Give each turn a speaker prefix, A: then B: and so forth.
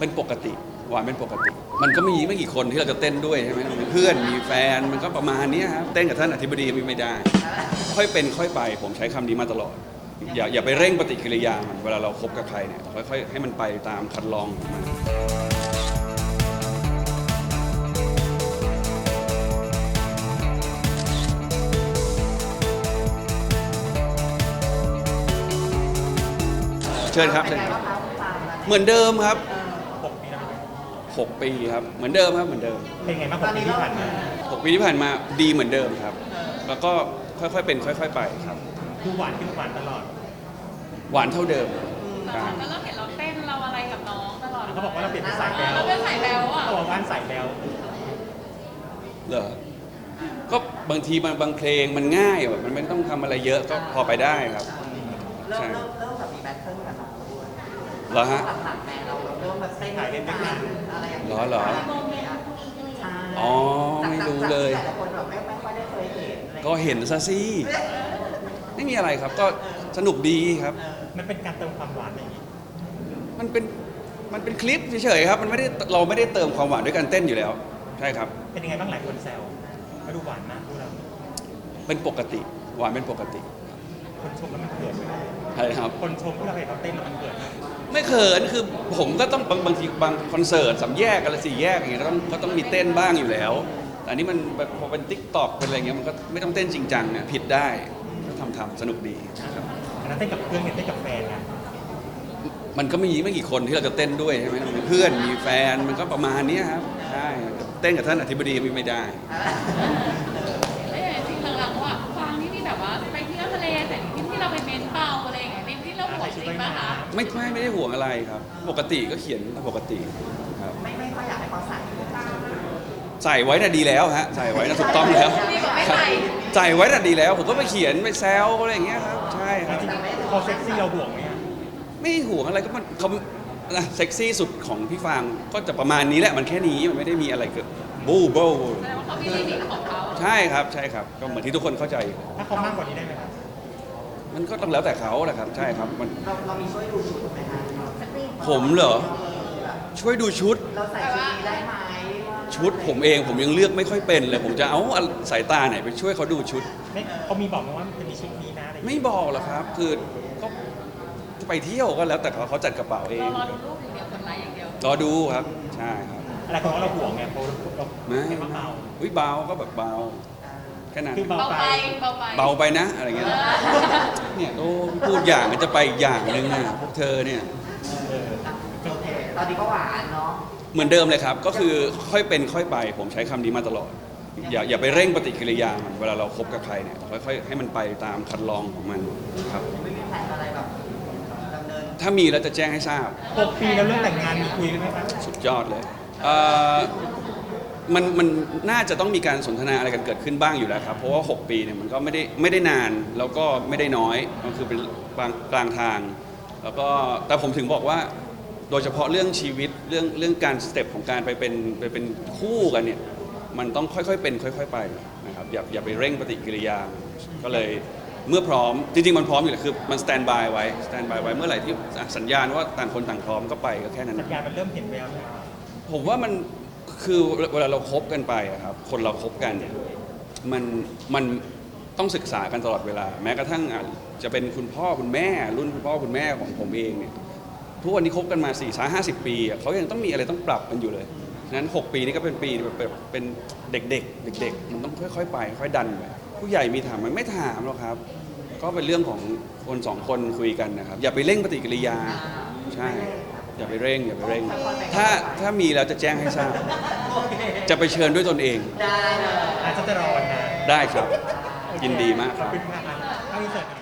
A: เป็นปกติหวานเป็นปกติมันก็มีไม่กี่คนที่เราจะเต้นด้วยใช่ไหมมีเพื่อนมีแฟนมันก็ประมาณนี้ครับเต้นกับท่านอธิบดีไม่ได้ค่อยเป็นค่อยไปผมใช้คำนี้มาตลอดอย่าไปเร่งปฏิกิริยามันเวลาเราคบกับใครเนี่ยค่อยๆให้มันไปตามคันลองของมันเชิญครับเชิญครับเหมือนเดิมครับ6 ปีครับเหมือนเดิมครับเหมือนเดิม
B: เป็นไงบ้าง6 ปีที่ผ่านมา
A: 6 ปีที่ผ่านมาดีเหมือนเดิมครับแล้วก็ค่อยๆเป็นค่อยๆไปครับ
B: คือหวานขึ้นหวานตลอด
A: หวานเท่าเดิม
C: แต่ก็เราเห็นเราเต้นเราอะไรกับน้องตลอด
B: เขาบอกว่าเราเปลี่ยนเป็นสายแบว
C: เราเป็นสายแบวอ่ะ
B: เขาบอกว่าสายแบว
A: เหรอก็บางทีบางเพลงมันง่ายแบบมันไม่ต้องทำอะไรเยอะก็พอไปได้ครับ
D: เริ่มแบบมีแบทเทิลกันแล้ว
A: เหรอฮะ
D: หลังๆแม่เราเริ่มแบบเต้นกันอะไรอย่างเงี้ย
A: เหรออ๋อไม่รู้เลย
D: แต่คนแบบไม่ค่อยได้เคยเห็น
A: ก็เห็นซะสิไม่มีอะไรครับก็สนุกดีครับ
B: มันเป็นการเติมความหวานอะไรอย่างงี้
A: มันเป็นคลิปเฉยๆครับมันไม่ได้เราไม่ได้เติมความหวานด้วยการเต้นอยู่แล้วใช่ครับ
B: เป็นยังไงบ้างหลายคนแซวมาดูหวานมากดูเรา
A: เป็นปกติหวานเป็นปกติ
B: คนชมแล้วมันเกิดไหม
A: ใช่ครับ
B: คนชมที่เราเห็นเราเต้นแล้วมันเกิดไหม
A: ไม่เขินคือผมก็ต้องบางทีบางคอนเสิร์ต3 แยกอะไร4 แยกอย่างเงี้ยก็ต้องมีเต้นบ้างอยู่แล้วแต่อันนี้มันพอเป็นติ๊กต็อกเป็นอะไรเงี้ยมันก็ไม่ต้องเต้นจริงจังนะผิดได้ก็ทำสนุกดีครับ
B: อันนั้นเต้นกับเพื่อนเต้นกับแฟนนะ
A: มันก็มีไม่กี่คนที่เราจะเต้นด้วยใช่ไหมมีเพื่อนมีแฟนมันก็ประมาณนี้ครับใช่เต้นกับท่านอธิบดีไม่ได้
C: จริงหลังๆว่าฟังที่แบบว่าไปเที่ยวทะเลแต่ที่เราไปเมนเปาอะไรอย่างเงี้ยที่เราห่วงจริงป่ะคะ
A: ไม่ได้ห่วงอะไรครับปกติก็เขียนปกติครับ
D: ไม่ค่อยอยากให้เขา
A: ใส่ไว้น่ะดีแล้วฮะใส่ไว้น่ะถูกต้องแล้วใส่ไว้น่ะดีแล้วผมก็ไปเขียนไปแซวอะไรอย่างเงี้ยครับใช่ครับ
B: พอเซ็กซี่เราห่วงไหม
A: ไม่ห่วงอะไรก็มันเขาเซ็กซี่สุดของพี่ฟางก็จะประมาณนี้แหละมันแค่นี้มันไม่ได้มีอะไรเกิดบูแ
C: สดงว่าเขามีลิมิตของเขา
A: ใช่ครับก็เหมือนที่ทุกคนเข้าใจ
B: ถ้าเขามากกว่านี้ได้ไหมครับ
A: มันก็ต้องแล้วแต่เขาแหละครับใช่ครับมัน
D: เรามีช่วยดูชุดไหมคะ
A: ผมเหรอช่วยดูชุด
D: เราใส่ชุดนี้ได้ไหม
A: ชุดผมเองผมยังเลือกไม่ค่อยเป็นเลยผมจะเอาสายตาไหนไปช่วยเขาดูชุด
B: ไม่เขามีบอกไหมว่าจะมีชุดนี้นะ
A: ไม่บอกหรอกครับคือก็ไปเที่ยวก็แล้วแต่เขาจัดกระเป๋าเอง
C: รอดูรูปอย่างเดียวคนไลค์อย่างเดียว
A: รอดูครับใช่ครับ
B: อะไรของเราห่วงไงเพราะเรา
A: ไม่เบาเบาก็แบบเบาแค่นั้น
C: เบา
A: ไปนะอะไรเงี้ยเนี่ยโอ้พูดอย่างมันจะไปอีกอย่างนึงนะพวกเธอเนี่ย
D: โอเคตอนนี้ก็หวานเนาะ
A: เหมือนเดิมเลยครับก็คือค่อยเป็นค่อยไปผมใช้คำนี้มาตลอดอย่าไปเร่งปฏิกิริยามันเวลาเราคบกับใครเนี่ยค่อยๆให้มันไปตามคันลองของมันครับ
D: ไม่มีแผนอะไรแบบ
A: ถ้ามีแล้วจะแจ้งให้ทราบ
B: 6 ปีแล้วเรื่องแต่งงานมีคุยกันไหมครับ
A: สุดยอดเลยมันน่าจะต้องมีการสนทนาอะไรกันเกิดขึ้นบ้างอยู่แล้วครับเพราะว่า6 ปีเนี่ยมันก็ไม่ได้นานแล้วก็ไม่ได้น้อยมันคือเป็นกลางทางแล้วก็แต่ผมถึงบอกว่าโดยเฉพาะเรื่องชีวิตเรื่องการสเต็ปของการไปเป็นคู่กันเนี่ยมันต้องค่อยๆเป็นค่อยๆไปนะครับอย่าไปเร่งปฏิกิริยาก็เลยเมื่อพร้อมจริงๆมันพร้อมอยู่แล้วคือมันสแตนบายไว้เมื่อไหร่ที่สัญญาณว่าต่างคนต่างพร้อมก็ไปก็แค่นั้น
B: สัญญาณมันเริ่มเห็นแววแล้ว
A: ผมว่ามันคือเวลาเราคบกันไปครับคนเราคบกันเนี่ยมันต้องศึกษากันตลอดเวลาแม้กระทั่งจะเป็นคุณพ่อคุณแม่รุ่นคุณพ่อคุณแม่ของผมเองเนี่ยทุกวันนี้คบกันมา40-50 ปีเขายังต้องมีอะไรต้องปรับกันอยู่เลยฉะนั้น6 ปีนี้ก็เป็นปีแบบเป็นเด็กมันต้องค่อยๆไปค่อยดันไปผู้ใหญ่มีถามมันไม่ถามหรอกครับก็เป็นเรื่องของคน2 คนคุยกันนะครับอย่าไปเร่งปฏิกิริยาใช่อย่าไปเร่งถ้ามีแล้วจะแจ้งให้ทราบจะไปเชิญด้วยตนเอง
D: ได้เลย
B: อาจจะรอวันนาน
A: ได้ครับยินดีมากครับ